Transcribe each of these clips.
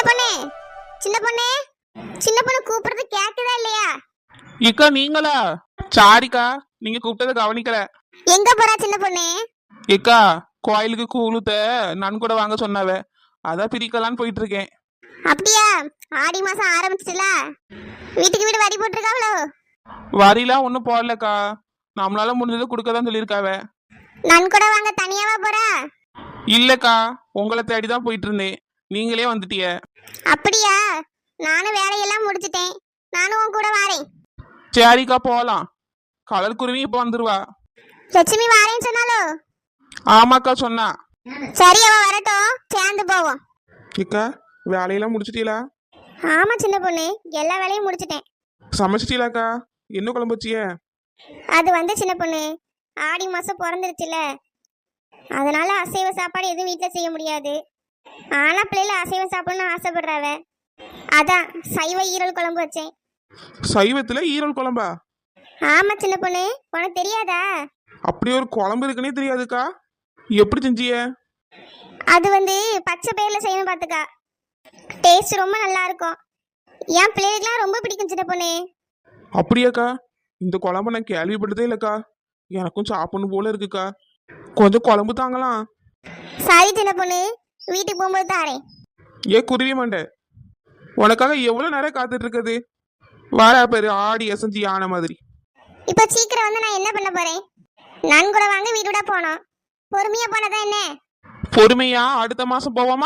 பொண்ணு சின்ன பொண்ணு சின்ன பொண்ணு கூப்பிடுறது கேக்குதா இல்லையா? இக்கா நீங்களா? சாரிக்கா, நீங்க கூப்பிட்டதை கவனிக்கல. எங்க போறா சின்ன பொண்ணு? இக்கா, கோயிலுக்கு கூழுத்த நான் கூட வாங்க சொன்னாவ, அதான் பிரிக்கலான்னு போயிட்டு இருக்கேன். அப்படியா? ஆடி மாசம் ஆரம்பிச்சிட்டுல, வீட்டுக்கு வீடு வரி போட்டிருக்காவளோ? வரிலாம் ஒன்றும் போடலக்கா, நம்மளால முடிஞ்சதை கொடுக்க தான் சொல்லியிருக்காவ. நான் கூட வாங்க தனியாவா போறா? இல்லக்கா, உங்களை தேடி தான் போயிட்டு இருந்தேன், நீங்களே வந்துட்டிய. அப்படியா? நானும் வேலையெல்லாம் முடிச்சிட்டேன், நானும் உன் கூட வாரேன். சரிக்கா போகலாம். கடல் குருவி இப்போ வந்துருவா. லட்சுமி வாரேன்னு சொன்னாலோ? ஆமாக்கா சொன்னா. சரி, அவ வரட்டும், சேர்ந்து போவோம். இக்கா, வேலையெல்லாம் முடிச்சிட்டீங்களா? ஆமா சின்ன பொண்ணு, எல்லா வேலையும் முடிச்சிட்டேன். சமைச்சிட்டீங்களாக்கா? என்ன குழம்பு வச்சிய? அது வந்து சின்ன பொண்ணு, ஆடி மாசம் பிறந்துருச்சுல, அதனால அசைவ சாப்பாடு எதுவும் வீட்டில் செய்ய முடியாது. ஆனா பிள்ளைல அசைவம் சாப்பிடணும்னு ஆசைப்படுறாவ, அதான் சைவ ஈரல் குழம்பு வச்சேன். சைவத்துல ஈரல் குழம்பா? ஆமா சின்ன பொண்ணு, உனக்கு தெரியாதா? அப்படி ஒரு குழம்பு இருக்குன்னே தெரியாதுக்கா, எப்படி செஞ்சிய? அது வந்து பச்சை பயிர்ல செய்யணும் பார்த்துக்கா, டேஸ்ட் ரொம்ப நல்லா இருக்கும். என் பிள்ளைகளுக்குலாம் ரொம்ப பிடிக்கும் சின்ன பொண்ணு. அப்படியாக்கா? இந்த குழம்பு நான் கேள்விப்பட்டதே இல்லக்கா, எனக்கும் சாப்பிடணும் போல இருக்குக்கா, கொஞ்சம் குழம்பு தாங்கலாம். சரி சின்ன பொண்ணு, வீட்டுக்கு போகும்போது தாரேன். ஏ குருவி மண்டை, உனக்காக எவ்வளவு நேரம் காத்துட்டு இருக்குது, வாரா பேரு ஆடி அசைஞ்சு ஆன மாதிரி. இப்போ சீக்கிரம் வந்து நான் என்ன பண்ண போறேன்? நான் கூட வாங்க வீடு விட போனோம், பொறுமையா போனதான் என்ன? பொறுமையா அடுத்த மாசம் போவோமா?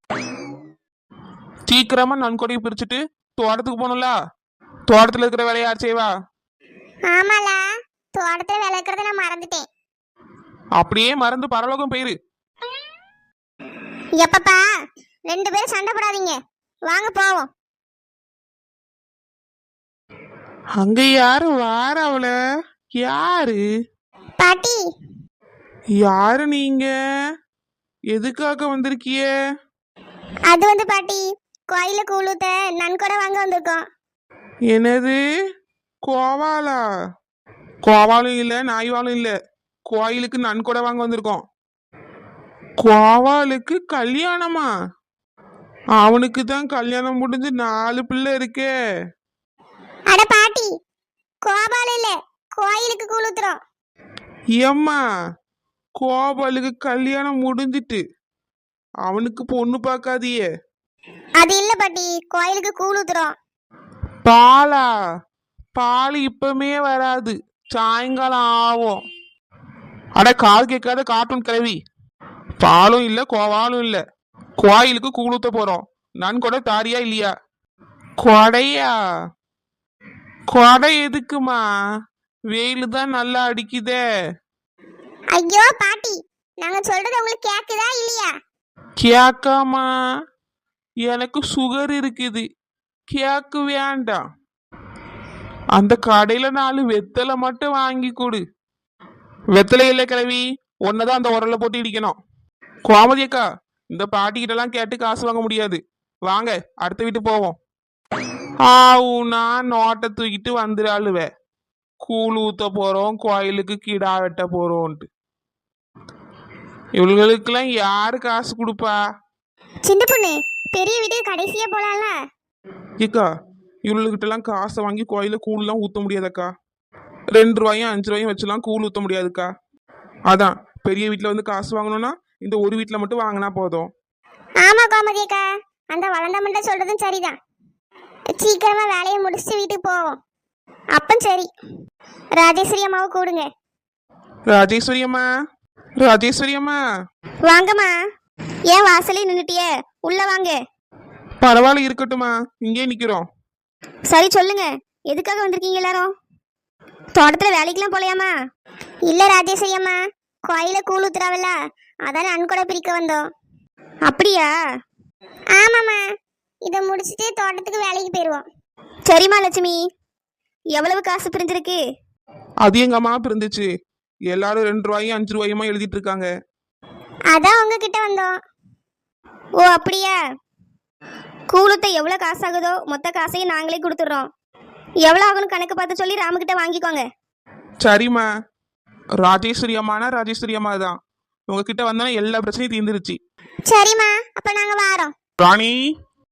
சீக்கிரமா நன்கொடையை பிரிச்சுட்டு தோட்டத்துக்கு போகணும்ல, தோட்டத்துல இருக்கிற வேலையை யார் செய்வா? ஆமால, தோட்டத்துல வேலை இருக்கிறத நான் மறந்துட்டேன். அப்படியே மறந்து பரலோகம் போயிரு. எப்பப்பா, ரெண்டு பேரும் சண்டை போடாதீங்க, வாங்க போவோம். அங்க யாரு வார? அவள யாரு? பாட்டி. யாரு நீங்க? எதுக்காக வந்திருக்கிய? அது வந்து பாட்டி, கோயில கூழுத்த நன்கொடை வாங்க வந்திருக்கோம். என்னது கோவாலா? கோவாலும் இல்ல நாய்வாலும் இல்ல, கோயிலுக்கு நன்கொடை வாங்க வந்திருக்கோம். கோவாலுக்கு கல்யாணமா? அவனுக்கு தான் கல்யாணம் முடிஞ்சு 4 பிள்ளை இருக்கே. அட பாட்டி, கோபால இல்ல, கோயிலுக்கு கூழுத்துறோம். ஏம்மா, கோபாலுக்கு கல்யாணம் முடிஞ்சிட்டு அவனுக்கு பொண்ணு பார்க்காதியே? அது இல்ல பாட்டி, கோயிலுக்கு கூழுத்துறோம். பாலா? பால் இப்பமே வராது, சாயங்காலம் ஆகும். அட கால் கேட்காத கார்ட்டூன் கிளவி, பாலும் இல்ல கோவாலும் இல்ல, கோயிலுக்கு கூழுத்த போறோம். நான் கூட தாரியா இல்லையா? கொடையா? கொடை எதுக்குமா? வெயில் தான் நல்லா அடிக்குதே. ஐயோ பாட்டி, நாங்க சொல்றது உங்களுக்கு கேக்குதா இல்லையா? கேக்காமா? எனக்கு சுகர் இருக்குது, கேக்கு வேண்டாம். அந்த கடையில 4 வெத்தலை மட்டும் வாங்கி கொடு. வெத்தலை இல்லை கிளவி, ஒன்னதான் அந்த உரல்ல போட்டு இடிக்கணும். கோமதி அக்கா, இந்த பாட்டிக்கிட்ட எல்லாம் கேட்டு காசு வாங்க முடியாது, வாங்க அடுத்த வீட்டு போவோம். ஆவுனா நோட்டை தூக்கிட்டு வந்துடாளுவ, கூழ் ஊத்த போறோம், கோயிலுக்கு கிடா வெட்ட போறோம்ட்டு. இவளுகளுக்கெல்லாம் யாரு காசு கொடுப்பா? சின்ன பொண்ணு, பெரிய வீட்டுக்கு கடைசியா போலாம்ல. ஏக்கா, இவளுகிட்ட எல்லாம் காசை வாங்கி கோயில கூழ்லாம் ஊத்த முடியாதக்கா, 2 ரூபாயும் 5 ரூபாயும் வச்சுலாம் கூழ் ஊத்த முடியாதுக்கா. அதான் பெரிய வீட்டுல வந்து காசு வாங்கணும்னா இந்த ஒரு வீட்டுல மட்டும் வாங்கினா போதும். ஆமா கோமதி அக்கா, அந்த வளர்ந்த மண்டை சொல்றதும் சரிதான். சீக்கிரமா வேலையை முடிச்சுட்டு வீட்டுக்கு போவோம். அப்ப சரி, ராஜேஸ்வரி அம்மாவை கூடுங்க. ராஜேஸ்வரி அம்மா, ராஜேஸ்வரி அம்மா. வாங்கம்மா. ஏன் வாசலே நின்னுட்டியே, உள்ள வாங்க. பரவாயில்ல இருக்கட்டுமா, இங்கே நிக்கிறோம். சரி சொல்லுங்க, எதுக்காக வந்திருக்கீங்க எல்லாரும்? தோட்டத்துல வேலைக்கெல்லாம் போலையாமா? இல்ல ராஜேஸ்வரி அம்மா, கோயில கூழ் ஊத்துறாவல்ல, அதான் நன்கொடை பிரிக்க வந்தோம். அப்படியா? ஆமாம்மா, இதை முடிச்சுட்டு தோட்டத்துக்கு வேலைக்கு போயிடுவோம். சரிம்மா லட்சுமி, எவ்வளவு காசு பிரிஞ்சிருக்கு? அது எங்க அம்மா பிரிந்துச்சு, எல்லாரும் 2 ரூபாயும் 5 ரூபாயுமா எழுதிட்டு இருக்காங்க. அதான் உங்ககிட்ட வந்தோம். ஓ அப்படியா? கூழுத்த எவ்வளோ காசு ஆகுதோ மொத்த காசையும் நாங்களே கொடுத்துட்றோம். எவ்வளோ ஆகும்னு கணக்கு பார்த்து சொல்லி ராமுக்கிட்ட வாங்கிக்கோங்க. சரிம்மா. ராஜேஸ்வரி அம்மானா ராஜேஸ்வரி அம்மா தான், உங்ககிட்ட வந்தா எல்லா பிரச்சனையும் தீர்ந்துருச்சு. சரிம்மா, அப்ப நாங்க வாரோம். ராணி,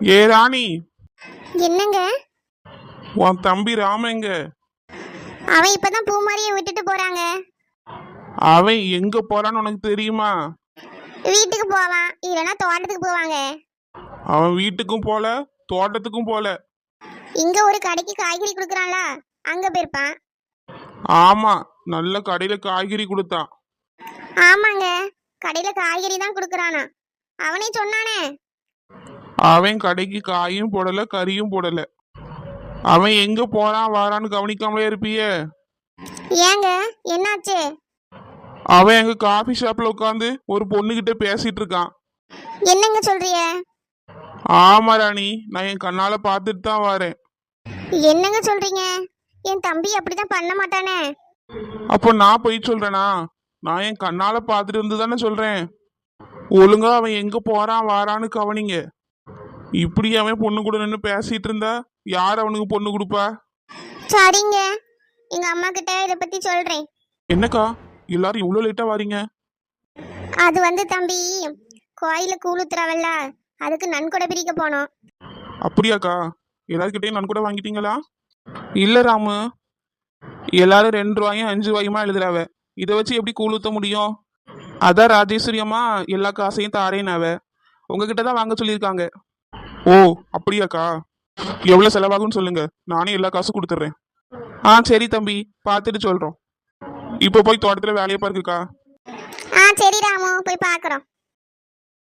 ஏ ராணி, என்னங்க? உன் தம்பி ராமங்க. அவன் இப்பதான் பூமாரியை விட்டுட்டு போறாங்க. அவன் எங்க போறான்னு உனக்கு தெரியுமா? வீட்டுக்கு போவான், இல்லைன்னா தோட்டத்துக்கு போவாங்க. அவன் வீட்டுக்கும் போல தோட்டத்துக்கும் போல. இங்க ஒரு கடைக்கு காய்கறி கொடுக்குறான்ல, அங்க போயிருப்பான். ஆமா, நல்ல கடையில காய்கறி கொடுத்தான். ஆமாங்க, கடையில காய்கறி தான் கொடுக்குறானா. அவனே சொன்னானே. அவன் கடைக்கு காயும் போடல கறியும் போடல. அவன் எங்க போறான் வாரான்னு கவனிக்காமலே இருப்பியே. ஏங்க, என்னாச்சு? அவன் எங்க காஃபி ஷாப்ல உட்காந்து ஒரு பொண்ணுகிட்ட பேசிட்டு இருக்கான். என்னங்க சொல்றிய? ஆமா ராணி, நான் என் கண்ணால பார்த்துட்டு தான் வரேன். என்னங்க சொல்றீங்க? என் தம்பி அப்படிதான் பண்ண மாட்டானே. அப்போ நான் போய் சொல்றேனா? நான் என் கண்ணால பார்த்துட்டு இருந்து தானே சொல்றேன். ஒழுங்கா அவன் எங்க போறான் வாரான்னு கவனிங்க. இப்படி அவன் பொண்ணு கூட நின்று பேசிட்டு இருந்தா யார் அவனுக்கு பொண்ணு கொடுப்பா? சரிங்க, எங்க அம்மா கிட்ட இதை பத்தி சொல்றேன். என்னக்கா எல்லாரும் இவ்வளோ லேட்டா வாரீங்க? அது வந்து தம்பி, கோயில கூழுத்துறாவல்ல, அதுக்கு நன்கொடை பிரிக்க போனோம். அப்படியாக்கா? எல்லாருக்கிட்டையும் நான் கூட வாங்கிட்டீங்களா? இல்ல ராமு, எல்லாரும் 2 ரூபாயும் 5 ரூபாயுமா எழுதுறாவ. இதை வச்சு எப்படி கூழ் ஊத்த முடியும்? அதான் ராஜேஸ்வரி அம்மா எல்லா காசையும் தாரேனாவ. உங்ககிட்ட தான் வாங்க சொல்லியிருக்காங்க. ஓ அப்படியாக்கா? எவ்வளோ செலவாகும்னு சொல்லுங்க, நானே எல்லா காசும் கொடுத்துட்றேன். சரி தம்பி, பார்த்துட்டு சொல்றோம். இப்போ போய் தோட்டத்தில் வேலையை பாருக்குக்கா. சரி ராமு, போய் பார்க்குறோம்.